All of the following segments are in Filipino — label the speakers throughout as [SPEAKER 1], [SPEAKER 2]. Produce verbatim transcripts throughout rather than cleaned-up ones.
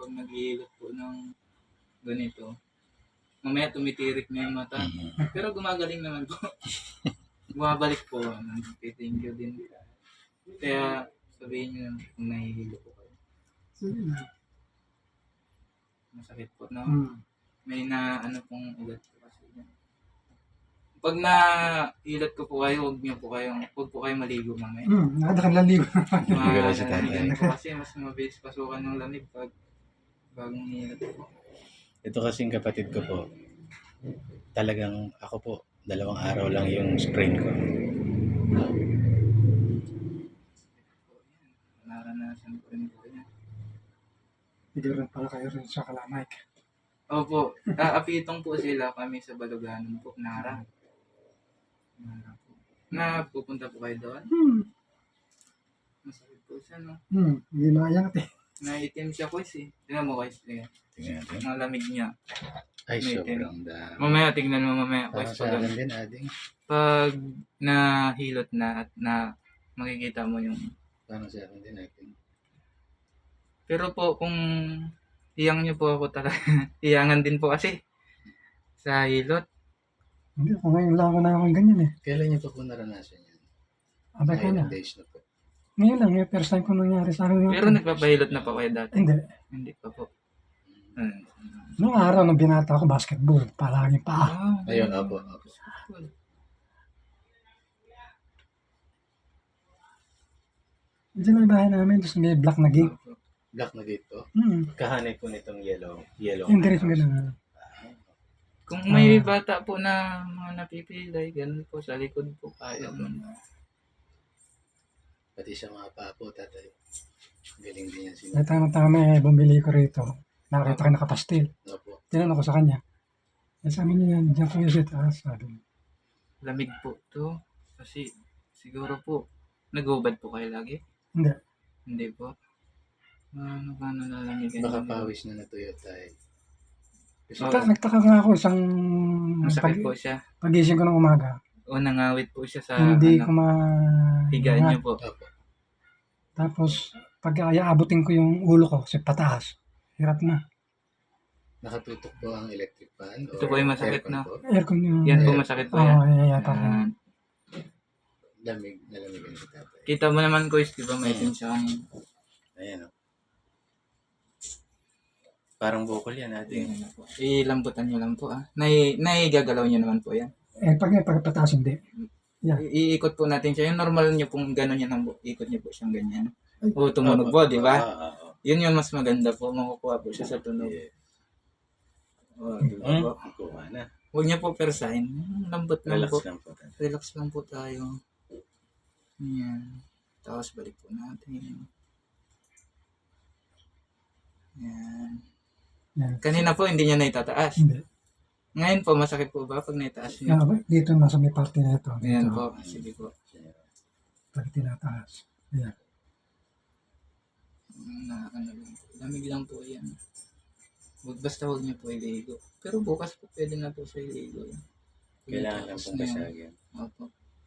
[SPEAKER 1] pag naghihilot po ng ganito, mamaya tumitirik na yung mata.
[SPEAKER 2] Mhm.
[SPEAKER 1] Pero gumagaling naman po. Bumabalik po. Thank you din. Kaya sabihin nyo kung nahihilo po kayo.
[SPEAKER 3] Sige.
[SPEAKER 1] Masakit po, no?
[SPEAKER 3] Hmm.
[SPEAKER 1] May na ano pong ugat po kasi. Pag nahilot ko po kayo, huwag niyo po kayong, huwag po kayo maligo mamaya.
[SPEAKER 3] Hmm. Nakadakalaligo.
[SPEAKER 2] Wala si tatay.
[SPEAKER 1] Malamigan po kasi mas mabilis pasukan ng lamig pag bagong hilot po.
[SPEAKER 2] Ito kasing kapatid ko po, talagang ako po, dalawang araw lang yung sprain ko.
[SPEAKER 1] Naranasan ko rin po yan.
[SPEAKER 3] Hindi rin pala kayo rin sa Kalamay.
[SPEAKER 1] Opo, aapitong po sila kami sa Baluganon po, Nara. Nara po. Na pupunta po kayo doon?
[SPEAKER 3] Hmm.
[SPEAKER 1] Masakit po siya, no?
[SPEAKER 3] Hmm. Hindi mayangat eh.
[SPEAKER 1] Naitim siya po eh. Tingnan mo guys, tingnan.
[SPEAKER 2] Tingnan natin.
[SPEAKER 1] Ang lamig niya.
[SPEAKER 2] Ay,
[SPEAKER 1] May
[SPEAKER 2] sobrang dami.
[SPEAKER 1] Mamaya, tingnan mo mamaya.
[SPEAKER 2] Parang
[SPEAKER 1] Guys,
[SPEAKER 2] sa
[SPEAKER 1] pag,
[SPEAKER 2] akin din, ading.
[SPEAKER 1] pag nahilot na at na makikita mo yung...
[SPEAKER 2] Parang sa akin din, ading.
[SPEAKER 1] Pero po, kung hiyang niyo po ako talaga, hiyangan din po kasi sa hilot.
[SPEAKER 3] Hindi, ako ngayon lang ako na akong ganyan eh.
[SPEAKER 2] Kailan niyo pa po naranasan yan?
[SPEAKER 3] Abay ko na.
[SPEAKER 2] Ilang days na po.
[SPEAKER 3] Ngayon lang, yung first time ko nangyari sa akin.
[SPEAKER 1] Pero nagpapahilot na po kayo dati?
[SPEAKER 3] Hindi.
[SPEAKER 1] Hindi pa po. Hmm.
[SPEAKER 3] Noong araw nung binata ako basketball, palagi pa.
[SPEAKER 1] Ah,
[SPEAKER 2] Ayun, opo, opo.
[SPEAKER 3] Diyan ang bahay namin, tapos may black na gate.
[SPEAKER 2] Black na gate po.
[SPEAKER 3] Hmm.
[SPEAKER 2] Kahanay po nitong yellow. Yellow.
[SPEAKER 3] Yung direct na lang.
[SPEAKER 1] Kung may bata po na mga napipilay, ganun po sa likod po kaya mo na.
[SPEAKER 2] Pati sa mga papo, tatay. Galing din yan
[SPEAKER 3] May
[SPEAKER 2] sila.
[SPEAKER 3] tama-tama eh, bumili ko rito. Nakita ko nakapastil.
[SPEAKER 2] Opo.
[SPEAKER 3] Tinanong ko sa kanya. Eh, sabi niya, diyan ko yung taas. Sabi niya.
[SPEAKER 1] Lamig po to. Kasi siguro po, nag-ubad po kayo lagi?
[SPEAKER 3] Hindi.
[SPEAKER 1] Hindi po. Ano ba nalalamigan?
[SPEAKER 2] Baka pawis na natuyo tayo. Kasi
[SPEAKER 1] Oo.
[SPEAKER 3] Ta- nagtaka nga ako isang
[SPEAKER 1] Masakit
[SPEAKER 3] pag-
[SPEAKER 1] po siya.
[SPEAKER 3] pagising ko ng umaga.
[SPEAKER 1] O nangawit po siya sa
[SPEAKER 3] hindi
[SPEAKER 1] ano,
[SPEAKER 3] ko ma...
[SPEAKER 1] higaan niyo po.
[SPEAKER 2] Opo.
[SPEAKER 3] Tapos, pag aabutin ko yung ulo ko sa pataas, hirap na.
[SPEAKER 2] Nakatutok po ang electric fan.
[SPEAKER 1] Ito po yung masakit
[SPEAKER 2] aircon
[SPEAKER 1] na.
[SPEAKER 2] po.
[SPEAKER 3] Aircon yung...
[SPEAKER 1] Yan po masakit po
[SPEAKER 3] Oo,
[SPEAKER 1] yan.
[SPEAKER 3] oh, yeah, yeah,
[SPEAKER 1] Yan.
[SPEAKER 2] Lamig, nalamigan si tatay.
[SPEAKER 1] Kita mo naman ko is, di ba may itim siya kanina.
[SPEAKER 2] Ayan o. Parang bukol yan natin.
[SPEAKER 1] Tingnan po. Ilambutan niyo lang po ah. Nai, naigagalaw niyo naman po yan.
[SPEAKER 3] Eh, pag, pag pataas hindi. Yan.
[SPEAKER 1] I- iikot po natin siya. Yung normal niyo pong gano'n yan ang bu- ikot niyo po siyang ganyan. O tumunog po, di ba?
[SPEAKER 2] Ah, ah, ah.
[SPEAKER 1] Yun yung mas maganda po. Makukuha po siya sa tunog.
[SPEAKER 2] Yeah.
[SPEAKER 1] O, di ba
[SPEAKER 2] Hmm?
[SPEAKER 1] po?
[SPEAKER 2] Kuha na.
[SPEAKER 1] Huwag niyo po persahin. Lambot lang
[SPEAKER 2] Relax
[SPEAKER 1] po.
[SPEAKER 2] lang po. tatay.
[SPEAKER 1] Relax lang po tayo. Yan. Tapos balik po natin. Yan.
[SPEAKER 3] Yan.
[SPEAKER 1] Kanina po hindi niya naitataas.
[SPEAKER 3] Hindi.
[SPEAKER 1] Ngayon po masakit po ba pag naitaas niyo?
[SPEAKER 3] Yan, dito nasa may parte na ito.
[SPEAKER 1] Ayan
[SPEAKER 3] Dito,
[SPEAKER 1] po. Sige po.
[SPEAKER 3] pag tinataas. Yan.
[SPEAKER 1] Na, ano lang po. Lamig lang po yan. Huwag, basta huwag niyo po iligo. Pero bukas po pwede na po sa iligo.
[SPEAKER 2] Kailangan lang
[SPEAKER 1] Tapos
[SPEAKER 2] pong
[SPEAKER 1] na yun.
[SPEAKER 2] basagin.
[SPEAKER 1] Opo.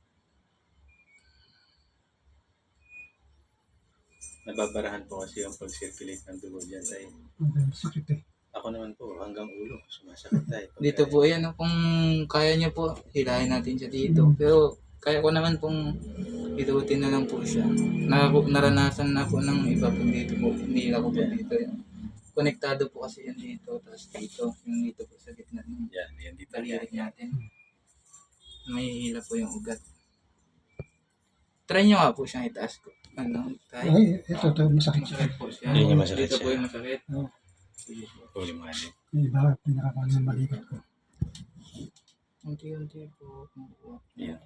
[SPEAKER 2] Nababarahan po kasi yung pag-circulate ng dugo dyan tayo.
[SPEAKER 3] Okay, sakit eh.
[SPEAKER 2] Ako naman po, hanggang ulo, sumasakit tayo. Pag-
[SPEAKER 1] Dito po yan. oh. Kung kaya niyo po, hilahin natin siya dito. Pero kaya ko naman pong ilutin na lang po siya. Na, naranasan na po ng iba po dito po. Hinila ko po dito. Yan. Konektado po kasi yan dito. Tapos dito. Yung dito po sa gitna ng
[SPEAKER 2] Yan, yan dito.
[SPEAKER 1] daliri natin. May hila po yung ugat. Try nyo nga po siyang itaas ko. Ano? Tayo.
[SPEAKER 3] Ay, ito, ito, masakit.
[SPEAKER 1] Masakit po siya.
[SPEAKER 2] Yun yung masakit
[SPEAKER 1] Dito po
[SPEAKER 2] siya.
[SPEAKER 1] yung masakit.
[SPEAKER 3] Oo.
[SPEAKER 1] Sige po.
[SPEAKER 2] Huli mo nga din.
[SPEAKER 3] Yung iba, pinakapano yung malikot ko.
[SPEAKER 1] Unti-unti po. Unti-unti.
[SPEAKER 2] Yeah.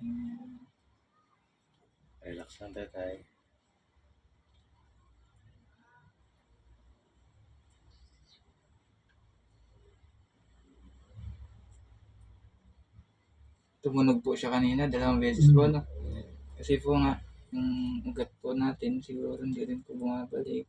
[SPEAKER 2] Relax lang tatay.
[SPEAKER 1] Tumunog po siya kanina, dalawang beses po, no? Kasi po nga, yung ugat po natin, siguro hindi rin po bumabalik.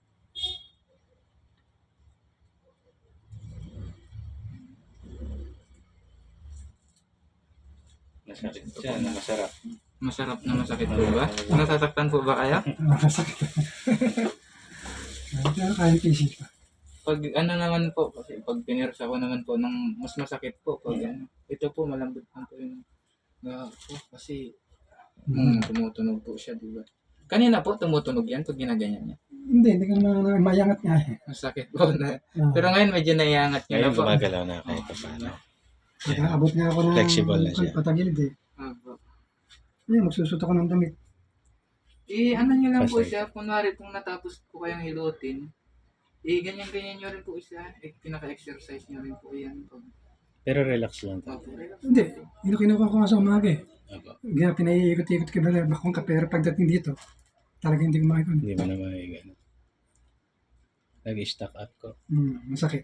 [SPEAKER 2] Masakit siya, na masarap.
[SPEAKER 1] Masarap na masakit po ba? Nasasaktan po ba kaya?
[SPEAKER 3] Masakit. Pero kaya pisik pa.
[SPEAKER 1] Pag ano naman po, kasi pag pinirsa ko naman po ng mas masakit po. Pag ano, ito po malambot lang po yung nga po. Kasi
[SPEAKER 3] Mm.
[SPEAKER 1] mm, tumutunog po siya, di ba? Kanina po tumutunog yan pag ginaganyan niya.
[SPEAKER 3] Hindi, hindi ko na, na mayangat nga eh.
[SPEAKER 1] Masakit po na.
[SPEAKER 3] Ah,
[SPEAKER 1] Pero ngayon medyo naiangat niya na
[SPEAKER 2] Ngayon
[SPEAKER 1] po.
[SPEAKER 2] gumagalaw na kahit pa paano.
[SPEAKER 3] pag abot nga ako ng
[SPEAKER 2] Flexible na siya.
[SPEAKER 3] patagilid eh.
[SPEAKER 1] Opo.
[SPEAKER 3] Ayun, magsusot ako ng damit.
[SPEAKER 1] Eh, ano nyo lang po
[SPEAKER 2] Pasay.
[SPEAKER 1] siya, kunwari kung natapos po kayong hilutin, eh, ganyan-ganyan nyo rin po siya, eh, pinaka-exercise nyo rin po yan. Pag,
[SPEAKER 2] Pero relax lang to.
[SPEAKER 1] opo, relax
[SPEAKER 3] Hindi,
[SPEAKER 1] lang po.
[SPEAKER 3] yun ang kinukuha ko nga sa umaga eh.
[SPEAKER 2] Opo.
[SPEAKER 3] Kaya pinaiikot-ikot ko ba na bakong ka, pero pagdating dito, talaga hindi ko makikon.
[SPEAKER 2] Hindi mo na makikano. Nag-stack up ko.
[SPEAKER 3] Hmm, masakit.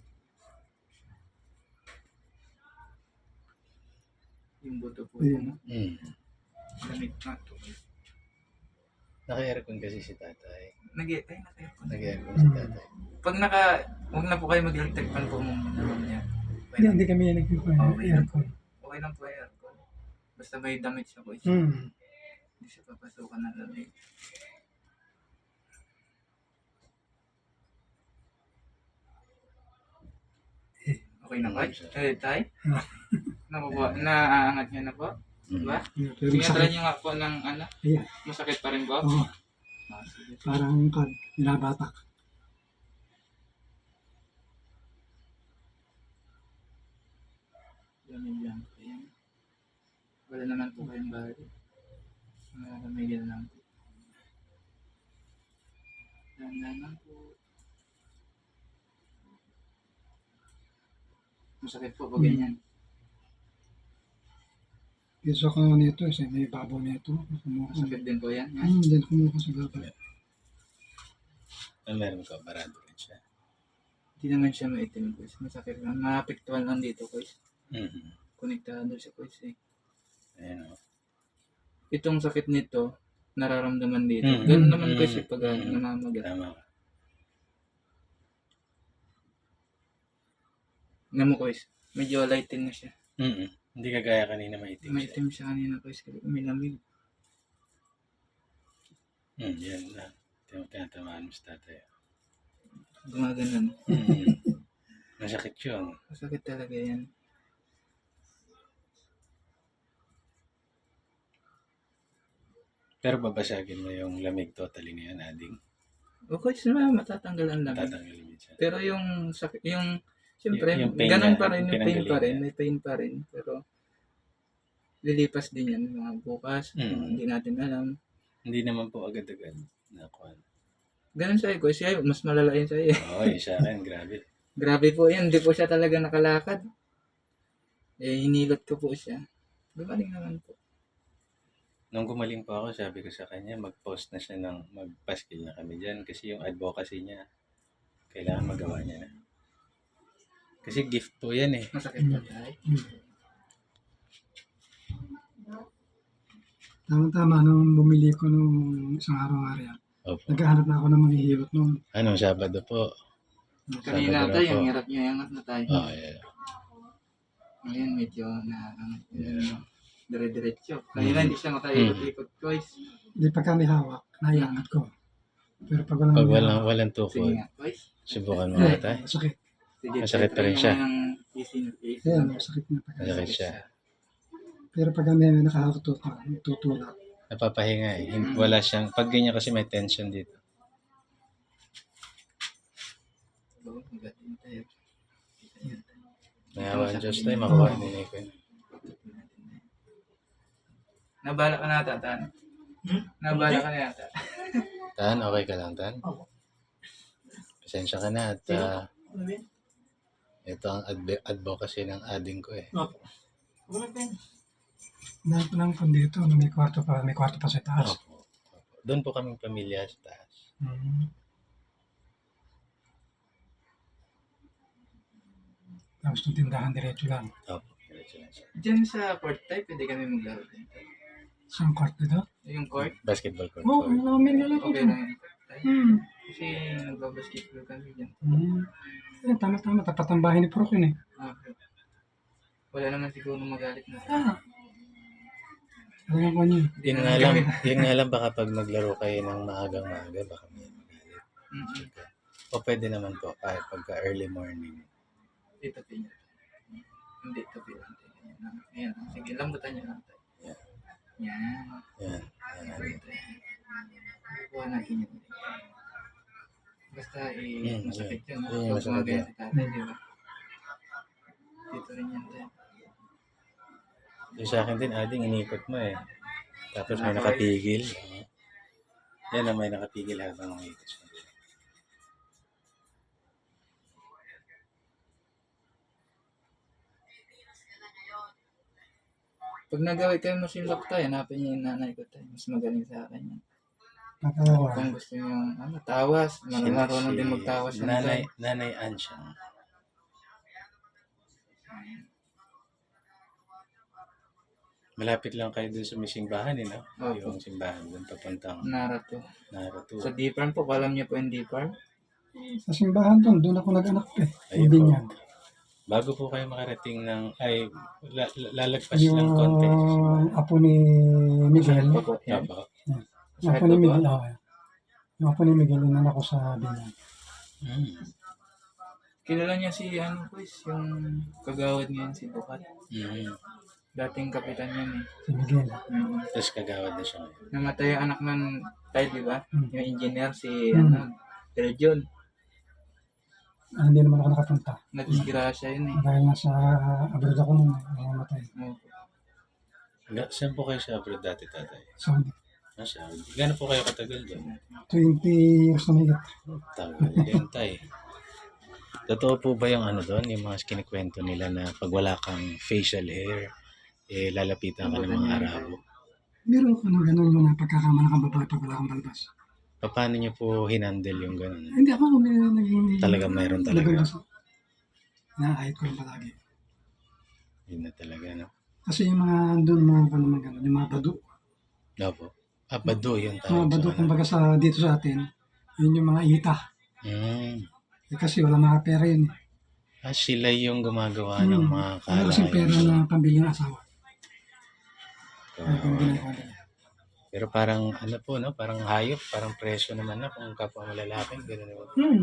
[SPEAKER 1] Yung buto po,
[SPEAKER 3] Ayun.
[SPEAKER 1] ano,
[SPEAKER 2] Mm.
[SPEAKER 1] lamig na to.
[SPEAKER 2] Naka-aircon kasi si tatay.
[SPEAKER 1] Nag ay, naka-aircon.
[SPEAKER 2] Nag-aircon si tatay.
[SPEAKER 1] Pag naka, huwag na po kayo mag-electric fan po muna naman niya. Okay
[SPEAKER 3] Hindi,
[SPEAKER 1] lang,
[SPEAKER 3] hindi kami nagkukuha ng
[SPEAKER 1] Okay.
[SPEAKER 3] aircon.
[SPEAKER 1] okay lang po yung aircon. Basta may damit siya po.
[SPEAKER 3] Hmm.
[SPEAKER 1] Hindi siya papasukan ng lamig. Okay na ba? Eh, tay? Nakuha, naaangat niya na po?
[SPEAKER 2] Mm.
[SPEAKER 1] Diba?
[SPEAKER 3] Yeah, pero
[SPEAKER 1] Sige, try
[SPEAKER 3] masakit.
[SPEAKER 1] niyo nga po ng ano,
[SPEAKER 3] Ayan.
[SPEAKER 1] masakit pa rin po?
[SPEAKER 3] Oo,
[SPEAKER 1] Ah, sige.
[SPEAKER 3] parang kad, binabatak.
[SPEAKER 1] Lamig lang po yan. Wala naman po kayong bali. Malamigil lang po. Dandan lang po. Masakit po pag ganyan.
[SPEAKER 3] Gusto ko nito, isa may babaw nito. Kumuha ko.
[SPEAKER 1] Masakit din po yan. yan.
[SPEAKER 3] Hmm, din kumuha ko sa babaw.
[SPEAKER 2] Ang meron ko, barado rin siya.
[SPEAKER 1] Hindi naman siya maitim po. Masakit lang. Maapektuhan lang dito po.
[SPEAKER 2] Mm-hmm.
[SPEAKER 1] Konektado siya po. Eh.
[SPEAKER 2] Ayan o.
[SPEAKER 1] Itong sakit nito, nararamdaman dito.
[SPEAKER 2] Mm,
[SPEAKER 1] Ganun naman
[SPEAKER 2] mm,
[SPEAKER 1] kasi pag
[SPEAKER 2] mm.
[SPEAKER 1] namamaga.
[SPEAKER 2] Tama ka.
[SPEAKER 1] Nga mo ko medyo lighten na siya.
[SPEAKER 2] Mm-mm. Hindi kagaya kanina maitim siya.
[SPEAKER 1] Maitim siya kanina ko. Umilamig.
[SPEAKER 2] Mm, yan na. Tin- Tinatamaan mo sa tatay.
[SPEAKER 1] Gumaganon.
[SPEAKER 2] Mm. Masakit yun.
[SPEAKER 1] Masakit talaga yan.
[SPEAKER 2] Pero babasagin mo yung lamig totally na yan, ading.
[SPEAKER 1] Okay, sila matatanggal ang lamig.
[SPEAKER 2] Tatanggalin mo siya.
[SPEAKER 1] Pero yung sakit, yung siyempre,
[SPEAKER 2] Y- yung pain
[SPEAKER 1] ganun
[SPEAKER 2] niya,
[SPEAKER 1] pa rin,
[SPEAKER 2] yung
[SPEAKER 1] yung pain pa
[SPEAKER 2] pinanggalingan.
[SPEAKER 1] rin, may pain pa rin. Pero lilipas din yan mga bukas,
[SPEAKER 2] Mm.
[SPEAKER 1] mga hindi natin alam.
[SPEAKER 2] Hindi naman po agad-agad. Nakuha.
[SPEAKER 1] Ganun sa'yo, ko siya, mas malala yun sa'yo.
[SPEAKER 2] Oo, yung sa akin, grabe.
[SPEAKER 1] Grabe po yan, hindi po siya talaga nakalakad. Eh, hinilot ko po siya. Gumaling naman po.
[SPEAKER 2] Nung gumaling po ako, sabi ko sa kanya, mag-post na siya ng mag-paskil na kami dyan kasi yung advocacy niya, kailangan magawa niya na. Kasi gift po yan eh.
[SPEAKER 1] Masakit pa tayo.
[SPEAKER 3] Tama-tama, nung bumili ko nung isang araw-araw yan,
[SPEAKER 2] Opo.
[SPEAKER 3] naghahanap na ako ng manghihilot nung
[SPEAKER 2] Anong Sabado po?
[SPEAKER 1] Kanina
[SPEAKER 2] Sabado
[SPEAKER 1] tayo,
[SPEAKER 2] na
[SPEAKER 1] ang
[SPEAKER 2] po.
[SPEAKER 1] hirap niya angat na tayo.
[SPEAKER 2] Oh, yeah.
[SPEAKER 1] Ngayon, medyo na, ano,
[SPEAKER 2] Yeah.
[SPEAKER 1] dire-diretso. Kanina hindi siya makaikot-ikot, guys.
[SPEAKER 3] Hindi pagka may hawak, naiangat ko. Pero pag walang
[SPEAKER 2] Pag
[SPEAKER 3] may
[SPEAKER 2] walang,
[SPEAKER 3] hawak,
[SPEAKER 2] walang
[SPEAKER 1] Sige
[SPEAKER 2] tukod,
[SPEAKER 1] nga, guys.
[SPEAKER 2] subukan mo
[SPEAKER 3] eh,
[SPEAKER 2] nga tayo.
[SPEAKER 3] masakit.
[SPEAKER 1] Sige,
[SPEAKER 2] Masakit pa rin
[SPEAKER 1] try
[SPEAKER 2] siya.
[SPEAKER 1] mo ng easy na easy
[SPEAKER 3] Ayan,
[SPEAKER 1] lang.
[SPEAKER 3] masakit na pagka.
[SPEAKER 2] Masakit siya.
[SPEAKER 3] Pero pag may nakahawak tutulak, tutulak.
[SPEAKER 2] Napapahinga eh. Hin- Wala siyang, pag ganyan kasi may tension dito.
[SPEAKER 1] Oo, magaling tayo.
[SPEAKER 2] Nahawa ang Diyos tayo, makuha din eh ko.
[SPEAKER 1] Nabala ka na ata, Tan. Nabala ka na yata.
[SPEAKER 2] Tan, okay ka lang, Tan? Pasensya ka na at ah, ito ang adv- advocacy ng ading ko eh.
[SPEAKER 3] Dahil ko lang kung dito, no, may kwarto pa, may kwarto pa sa taas.
[SPEAKER 2] Opo. Opo. Doon po kaming pamilya sa taas.
[SPEAKER 3] Hmm. Tapos yung tindahan diretso lang.
[SPEAKER 2] Opo. Diretso lang siya.
[SPEAKER 1] Diyan sa court type, pwede kami maglaro din.
[SPEAKER 3] Isang kwarto dito?
[SPEAKER 1] Yung court,
[SPEAKER 2] Basketball court.
[SPEAKER 3] Oo, oh,
[SPEAKER 2] court.
[SPEAKER 3] ano kami nilalaro
[SPEAKER 1] okay
[SPEAKER 3] dito.
[SPEAKER 1] lang yung court type.
[SPEAKER 3] Hmm.
[SPEAKER 1] Kasi nagbabasketball kami dyan.
[SPEAKER 3] Hmm. Eh, tama-tama, tapat ang bahay ni Prok yun eh.
[SPEAKER 1] Okay. Wala naman siguro magalit na.
[SPEAKER 3] Ah. Alam ko niyo.
[SPEAKER 2] Yun nga lang, yun nga lang baka pag naglaro kayo ng maagang maaga, baka may magalit.
[SPEAKER 1] Mm-mm.
[SPEAKER 2] O pwede naman po, kahit pagka early morning.
[SPEAKER 1] Dito pinya. Hindi, tabi lang. Ayan, ayan. Sige, lambutan niyo lang tayo.
[SPEAKER 2] Yan.
[SPEAKER 1] Yan.
[SPEAKER 2] Yan. Yan.
[SPEAKER 1] Ayan. Kuha natin yun. Basta eh,
[SPEAKER 2] Hmm,
[SPEAKER 1] masakit yun.
[SPEAKER 2] yeah.
[SPEAKER 1] no?
[SPEAKER 2] Yeah,
[SPEAKER 1] Pag
[SPEAKER 2] masakit
[SPEAKER 1] kumagaya
[SPEAKER 2] yan.
[SPEAKER 1] si tatay, di ba? Dito rin yan tayo.
[SPEAKER 2] Yung sa akin din, ading, inikot mo eh. Tapos may nakatigil. Oo. Yan na may nakatigil habang umiikot siya.
[SPEAKER 1] Pag nagawin kayo mo sinlok tayo, hanapin niyo yung nanay ko tayo. Mas magaling sa akin yan.
[SPEAKER 3] Nakakawa.
[SPEAKER 1] Kung gusto niyo, ano, tawas. Mar- Marunong din magtawas ng
[SPEAKER 2] Nanay,
[SPEAKER 1] tayo.
[SPEAKER 2] nanay Ann siya. Malapit lang kayo dun sa may simbahan eh, no?
[SPEAKER 1] Opo.
[SPEAKER 2] Yung simbahan dun papuntang
[SPEAKER 1] Narato.
[SPEAKER 2] Narato.
[SPEAKER 1] Sa Deepan po, alam niyo po yung Deepan?
[SPEAKER 3] Sa simbahan doon, doon ako nag-anak eh.
[SPEAKER 2] Ayun
[SPEAKER 3] Hindi
[SPEAKER 2] po.
[SPEAKER 3] niyan.
[SPEAKER 2] Bago po kayo makarating ng, ay, la, la- lalagpas lang konti.
[SPEAKER 3] Yung apo ni Miguel.
[SPEAKER 1] Opo, yan.
[SPEAKER 2] Opo.
[SPEAKER 3] Yung apo ni Miguel, oh, yung apo ni Miguel, inan ako sa binyan.
[SPEAKER 2] Mm.
[SPEAKER 1] Kilala niya si, ano po, yung kagawad ngayon, si Bukat.
[SPEAKER 2] Mm.
[SPEAKER 1] Dating kapitan yan eh.
[SPEAKER 3] Si Miguel.
[SPEAKER 1] Mm.
[SPEAKER 2] Tapos kagawad na siya ngayon.
[SPEAKER 1] Namatay yung anak ng tayo, di ba?
[SPEAKER 3] Mm.
[SPEAKER 1] Yung engineer, si,
[SPEAKER 3] Mm.
[SPEAKER 1] ano, Sir John.
[SPEAKER 3] Ah, hindi naman ako nakapunta.
[SPEAKER 1] Nadisgrasya yun eh.
[SPEAKER 3] Dahil nasa abroad ako nung namamatay.
[SPEAKER 1] Opo.
[SPEAKER 2] Ga- Saan po kayo sa abroad dati, tatay?
[SPEAKER 3] Saudi.
[SPEAKER 2] Ah, sa Saudi. Gano'n po kayo katagal doon?
[SPEAKER 3] twenty years na mahigit.
[SPEAKER 2] Tagal din, tay. Totoo po ba yung ano doon, yung mga kinikwento nila na pag wala kang facial hair, eh lalapitan ka ng mga Arabo?
[SPEAKER 3] Meron ko ng gano'n yung napagkakamala kang babae pag wala kang balbas.
[SPEAKER 2] Paano niyo po hinandle yung gano'n?
[SPEAKER 3] Hindi ako may naging...
[SPEAKER 2] Talaga mayroon talaga.
[SPEAKER 3] Nabalbas ako. Naahit ko lang palagi.
[SPEAKER 2] Yun na talaga, no?
[SPEAKER 3] Kasi yung mga doon, mga ano naman gano'n, yung mga badu.
[SPEAKER 2] Opo. Ah, bado yung
[SPEAKER 3] Mga
[SPEAKER 2] tawag
[SPEAKER 3] badu,
[SPEAKER 2] sa ano.
[SPEAKER 3] kumbaga sa, dito sa atin, yun yung mga ita.
[SPEAKER 2] Mm.
[SPEAKER 3] Eh, kasi wala mga pera yun. eh.
[SPEAKER 2] Ah, sila yung gumagawa ng
[SPEAKER 3] Hmm.
[SPEAKER 2] mga
[SPEAKER 3] Wala kasing pera
[SPEAKER 2] kalayan.
[SPEAKER 3] na pambili ng asawa. Kaya kung
[SPEAKER 2] Oo.
[SPEAKER 3] ginagawa nila.
[SPEAKER 2] Pero parang ano po, no? Parang hayop, parang preso naman na kung kapwa malalaki. Ganun naman.
[SPEAKER 3] Hmm.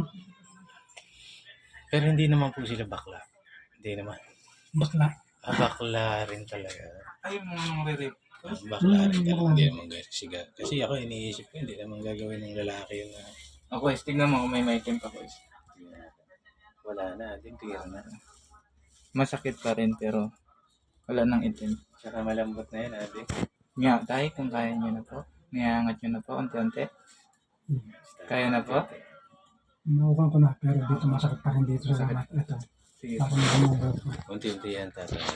[SPEAKER 2] Pero hindi naman po sila bakla. Hindi naman.
[SPEAKER 3] Bakla.
[SPEAKER 2] Ah, bakla rin talaga.
[SPEAKER 1] Ay, yung mga nang re-rape.
[SPEAKER 2] Ah, bakla rin
[SPEAKER 3] Hmm,
[SPEAKER 2] talaga.
[SPEAKER 3] bakla.
[SPEAKER 2] Hindi naman gasiga. Kasi ako iniisip ko, hindi naman gagawin ng lalaki yun na
[SPEAKER 1] Ako, is, tignan mo kung may maitim pa ko. Is.
[SPEAKER 2] wala na. Din tira na.
[SPEAKER 1] Masakit pa rin, pero wala nang itim.
[SPEAKER 2] Tsaka malambot na yun, ate.
[SPEAKER 1] Nga, tayo, kung kaya nyo na po. Niyangat nyo na po, unti-unti. Kaya na po?
[SPEAKER 3] Nauukan ko na, pero dito masakit pa rin dito sa mat. Ito.
[SPEAKER 1] Sige.
[SPEAKER 3] Parang nagmumabot ko.
[SPEAKER 2] Unti-unti yan, tatay.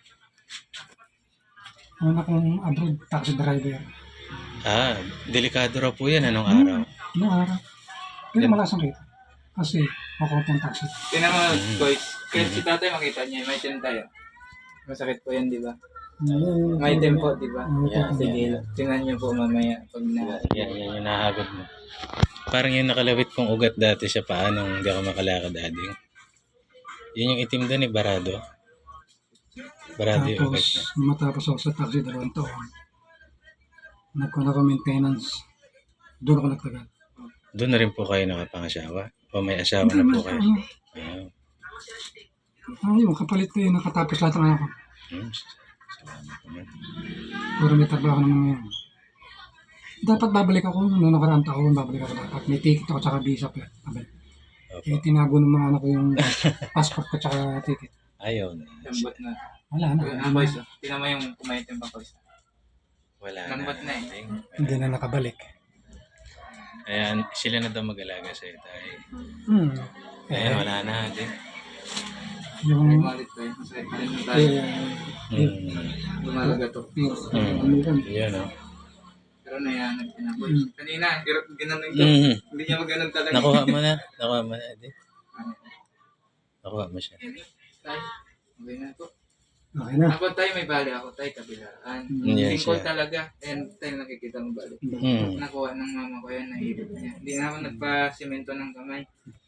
[SPEAKER 3] Una kong abroad, taxi driver.
[SPEAKER 2] Ah, delikado raw po yan. Anong
[SPEAKER 3] Hmm.
[SPEAKER 2] araw?
[SPEAKER 3] Noong araw. Pero malasan rito. Kasi ako ng taxi.
[SPEAKER 1] Tingnan mo,
[SPEAKER 2] Mm.
[SPEAKER 1] boys. Kahit si tatay makita niya, may itim tayo. Masakit po yan, di ba?
[SPEAKER 3] Eh,
[SPEAKER 1] May itim po, di ba?
[SPEAKER 3] May
[SPEAKER 2] Yan,
[SPEAKER 3] itim.
[SPEAKER 1] Sige, tingnan niyo po mamaya pag na...
[SPEAKER 2] Yan, yan yung nahagod mo. Parang yung nakalawit kong ugat dati sa paa nung hindi ako makalakad, ading. Yun yung itim doon eh, barado. Barado yung ugat
[SPEAKER 3] Tapos,
[SPEAKER 2] niya.
[SPEAKER 3] nung matapos ako sa taxi dalawang taon, nagkuhan ako maintenance. Doon ako nagtagal.
[SPEAKER 2] Doon na rin po kayo nakapangasawa? O may asawa na po kayo? Ah,
[SPEAKER 3] Ah, yung kapalit ko yung nakatapos lahat ng ako.
[SPEAKER 2] hmm, salamat naman.
[SPEAKER 3] Pero may trabaho naman ngayon. Dapat babalik ako noong nakaraang taon, babalik ako dapat. May ticket ako tsaka visa pa. Babalik.
[SPEAKER 2] Opo.
[SPEAKER 3] Eh, tinago ng mga anak ko yung passport ko tsaka ticket.
[SPEAKER 2] Ayaw na.
[SPEAKER 1] Lambot na.
[SPEAKER 3] Wala na.
[SPEAKER 1] Ah, boys, oh. Tingnan mo yung kumaitim pa, boys.
[SPEAKER 2] Wala
[SPEAKER 1] Lambot na eh.
[SPEAKER 2] ading.
[SPEAKER 3] Hindi na nakabalik.
[SPEAKER 2] Ayan, sila na daw mag-alaga sa'yo tayo.
[SPEAKER 3] Hmm.
[SPEAKER 2] Ayan, wala na, ading.
[SPEAKER 3] Yung...
[SPEAKER 1] Umalit tayo. Masakit pa rin na tayo.
[SPEAKER 3] Eh,
[SPEAKER 2] Hmm.
[SPEAKER 1] Lumalaga to.
[SPEAKER 2] Hmm.
[SPEAKER 3] ano yun?
[SPEAKER 2] Yan, o.
[SPEAKER 1] Pero nayanag ka na, boys. Kanina, hirap ginanon ko.
[SPEAKER 2] Mm.
[SPEAKER 1] Hindi niya maganon talaga.
[SPEAKER 2] Nakuha mo na. Nakuha mo na, ading. Nakuha mo siya.
[SPEAKER 1] Tayo. Okay na po.
[SPEAKER 3] Okay na.
[SPEAKER 1] Ako tayo may bali, ako tayo kabilaan.
[SPEAKER 2] Mm, yes,
[SPEAKER 1] Singkol
[SPEAKER 2] yeah.
[SPEAKER 1] talaga. And tayo nakikita mo bali.
[SPEAKER 2] Hmm.
[SPEAKER 1] Nakuha ng mama ko yan, nahilot niya. Hindi na ako nagpa-simento ng kamay.